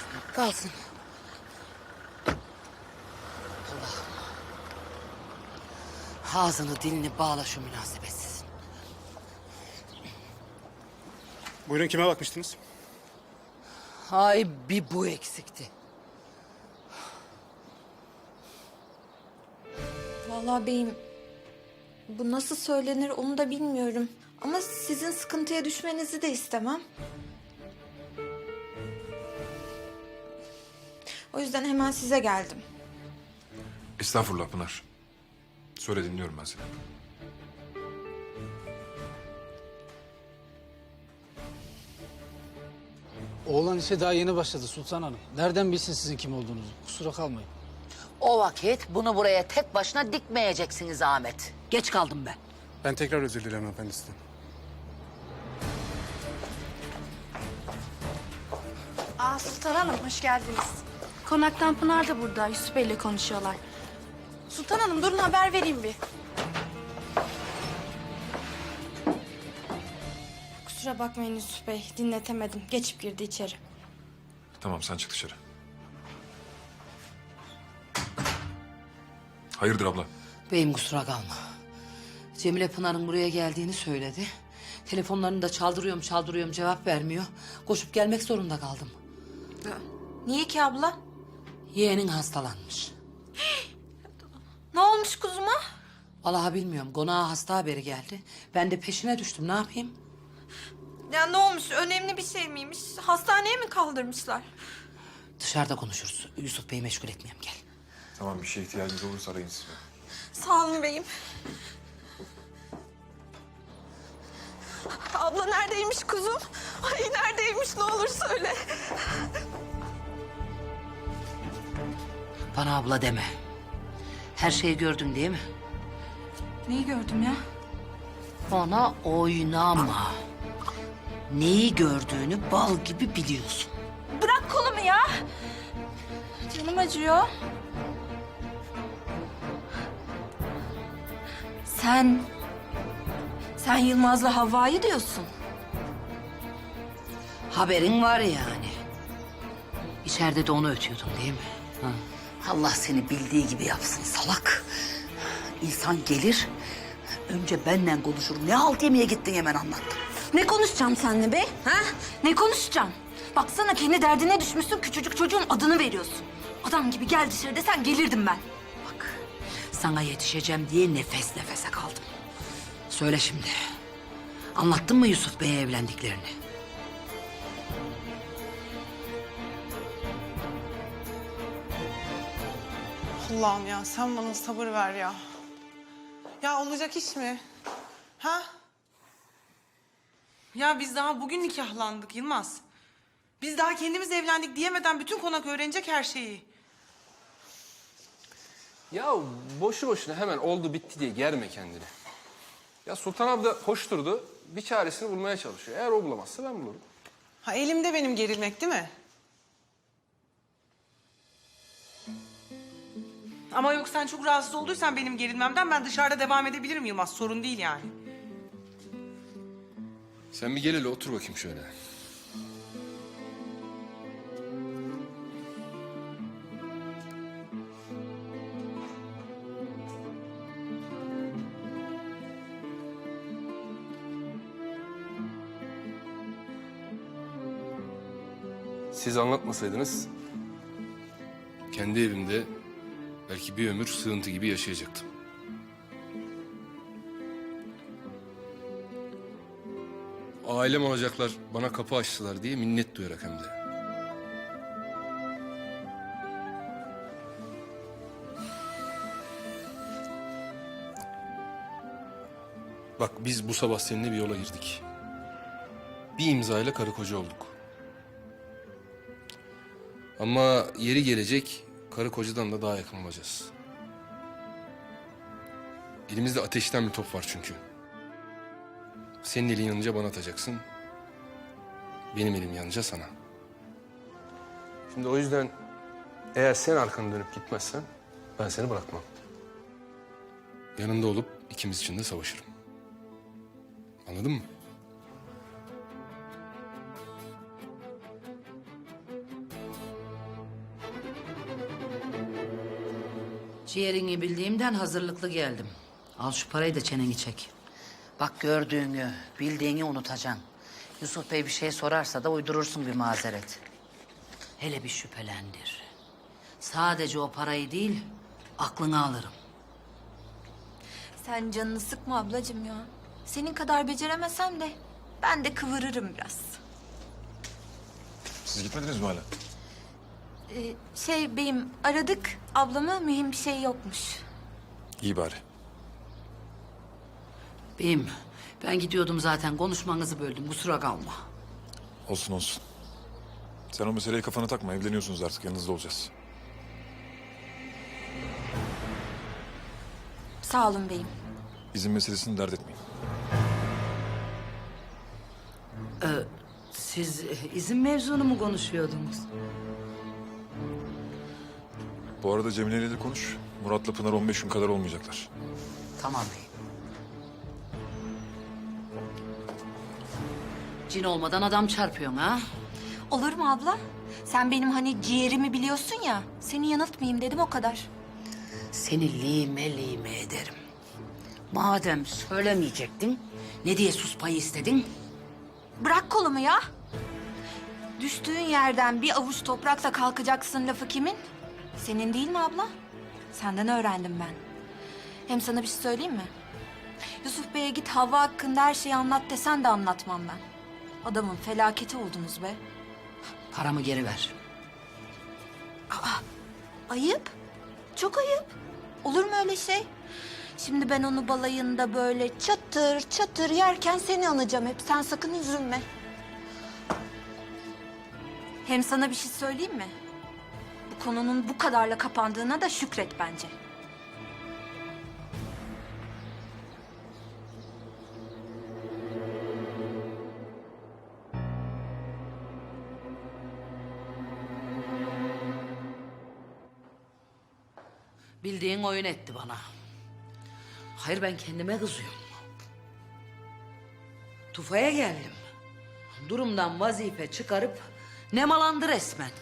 Kalsın. Allah'ım. Ağzını dilini bağla şu münasebetsiz. Buyurun, kime bakmıştınız? Ay bir bu eksikti. Vallahi beyim, bu nasıl söylenir onu da bilmiyorum. Ama sizin sıkıntıya düşmenizi de istemem. O yüzden hemen size geldim. Estağfurullah Pınar. Söyle, dinliyorum ben seni. Oğlan işe daha yeni başladı Sultan Hanım. Nereden bilsin sizin kim olduğunuzu? Kusura kalmayın. O vakit bunu buraya tek başına dikmeyeceksiniz Ahmet. Geç kaldım ben. Ben tekrar özür dilerim efendisinden. Sultan Hanım, hoş geldiniz. Konaktan Pınar da burada, Yusuf Bey'le konuşuyorlar. Sultan Hanım, durun haber vereyim bir. Kusura bakmayın Yusuf Bey, dinletemedim. Geçip girdi içeri. Tamam, sen çık dışarı. Hayırdır abla? Beyim kusura kalma. Cemile Pınar'ın buraya geldiğini söyledi. Telefonlarını da çaldırıyorum cevap vermiyor. Koşup gelmek zorunda kaldım. Niye ki abla? Yeğenin hastalanmış. Ne olmuş kuzuma? Vallahi bilmiyorum. Konağa hasta haberi geldi. Ben de peşine düştüm. Ne yapayım? Ya ne olmuş? Önemli bir şey miymiş? Hastaneye mi kaldırmışlar? Dışarıda konuşuruz. Yusuf Bey'i meşgul etmeyeyim, gel. Tamam, bir şeye ihtiyacınız olursa arayın sizi. Sağ olun beyim. Abla neredeymiş kuzum? Ay neredeymiş ne olur söyle. Bana abla deme. Her şeyi gördün değil mi? Neyi gördüm ya? Ona oynama. Neyi gördüğünü bal gibi biliyorsun. Bırak kolumu ya! Canım acıyor. Sen Yılmaz'la Havva'yı diyorsun. Haberin var yani. İçeride de onu ötüyordun değil mi? Ha. Allah seni bildiği gibi yapsın salak. İnsan gelir, önce benden konuşur. Ne halt yemeye gittin hemen anlattım. Ne konuşacağım seninle be? Ha? Ne konuşacağım? Baksana kendi derdine düşmüşsün, küçücük çocuğun adını veriyorsun. Adam gibi gel dışarı desen gelirdim ben. Bak, sana yetişeceğim diye nefes nefese kaldım. Söyle şimdi, anlattın mı Yusuf Bey'e evlendiklerini? Allah'ım ya sen bana sabır ver ya. Ya olacak iş mi? Ha? Ya biz daha bugün nikahlandık Yılmaz. Biz daha kendimiz evlendik diyemeden bütün konak öğrenecek her şeyi. Ya boşu boşuna hemen oldu bitti diye germe kendini. Ya Sultan abla hoş durdu. Bir çaresini bulmaya çalışıyor. Eğer o bulamazsa ben bulurum. Ha elimde benim gerilmek değil mi? Ama yok sen çok rahatsız olduysan benim gerilmemden ben dışarıda devam edebilirim Yılmaz. Sorun değil yani. Sen bir gel hele otur bakayım şöyle. Siz anlatmasaydınız kendi evimde belki bir ömür sığıntı gibi yaşayacaktım. Ailem olacaklar bana kapı açtılar diye minnet duyarak hem de. Bak biz bu sabah seninle bir yola girdik. Bir imzayla karı koca olduk. Ama yeri gelecek karı kocadan da daha yakın olacağız. Elimizde ateşten bir top var çünkü. Senin elin yanınca bana atacaksın. Benim elim yanınca sana. Şimdi o yüzden eğer sen arkanı dönüp gitmezsen ben seni bırakmam. Yanında olup ikimiz için de savaşırım. Anladın mı? Ciğerini bildiğimden hazırlıklı geldim. Al şu parayı da çeneni çek. Bak gördüğünü, bildiğini unutacaksın. Yusuf Bey bir şey sorarsa da uydurursun bir mazeret. Hele bir şüphelendir. Sadece o parayı değil, aklını alırım. Sen canını sıkma ablacığım ya. Senin kadar beceremesem de ben de kıvırırım biraz. Siz gitmediniz mi hala? Beyim aradık ablamı, mühim bir şey yokmuş. İyi bari. Beyim, ben gidiyordum zaten. Konuşmanızı böldüm. Kusura kalma. Olsun olsun. Sen o meseleyi kafana takma. Evleniyorsunuz artık. Yanınızda olacağız. Sağ olun beyim. İzin meselesini dert etmeyin. Siz izin mevzunu mu konuşuyordunuz? Bu arada Cemile ile de konuş. Murat'la Pınar 15 gün kadar olmayacaklar. Tamam beyim. Cin olmadan adam çarpıyorsun ha? Olur mu abla? Sen benim hani ciğerimi biliyorsun ya. Seni yanıltmayayım dedim o kadar. Seni lime lime ederim. Madem söylemeyecektin, ne diye sus payı istedin? Bırak kolumu ya. Düştüğün yerden bir avuç toprakla kalkacaksın lafı kimin? Senin değil mi abla? Senden öğrendim ben. Hem sana bir şey söyleyeyim mi? Yusuf Bey'e git Havva hakkında her şeyi anlat desen de anlatmam ben. Adamın felaketi oldunuz be. Paramı geri ver. Ayıp. Çok ayıp. Olur mu öyle şey? Şimdi ben onu balayında böyle çatır çatır yerken seni anacağım hep. Sen sakın üzülme. Hem sana bir şey söyleyeyim mi? Bu konunun bu kadarla kapandığına da şükret bence. Bildiğin oyun etti bana. Hayır, ben kendime kızıyorum. Tufaya geldim. Durumdan vazife çıkarıp nemalandı resmen.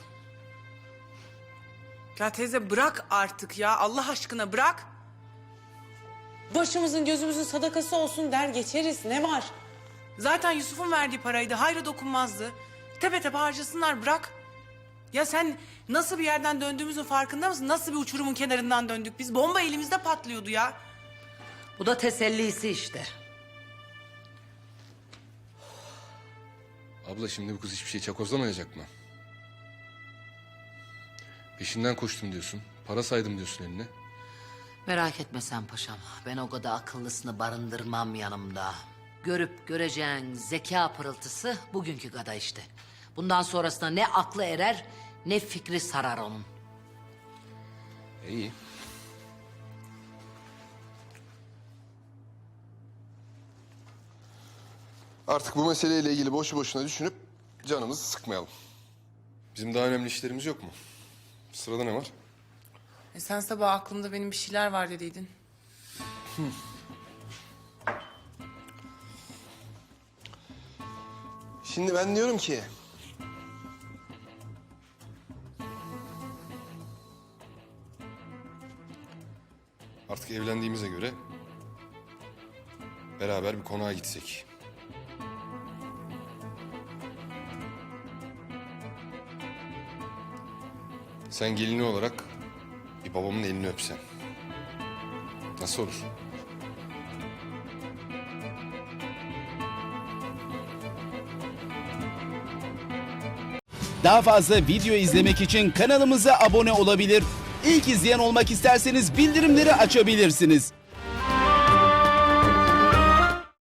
Ya teyze bırak artık ya. Allah aşkına bırak. Başımızın gözümüzün sadakası olsun der geçeriz. Ne var? Zaten Yusuf'un verdiği paraydı. Hayra dokunmazdı. Tepe tepe harcasınlar, bırak. Ya sen nasıl bir yerden döndüğümüzün farkında mısın? Nasıl bir uçurumun kenarından döndük biz? Bomba elimizde patlıyordu ya. Bu da tesellisi işte. Abla şimdi bu kız hiçbir şey çakozlamayacak mı? Peşinden koştum diyorsun. Para saydım diyorsun eline. Merak etme sen paşam. Ben o kadar akıllısını barındırmam yanımda. Görüp göreceğin zeka pırıltısı bugünkü kadar işte. Bundan sonrasında ne aklı erer ne fikri sarar onun. İyi. Artık bu meseleyle ilgili boşu boşuna düşünüp canımızı sıkmayalım. Bizim daha önemli işlerimiz yok mu? Sırada ne var? Sen sabah aklımda benim bir şeyler var dediydin. Şimdi ben diyorum ki... Artık evlendiğimize göre beraber bir konağa gitsek. Sen gelini olarak bir babamın elini öpsen. Nasıl olur? Daha fazla video izlemek için kanalımıza abone olabilir. İlk izleyen olmak isterseniz bildirimleri açabilirsiniz.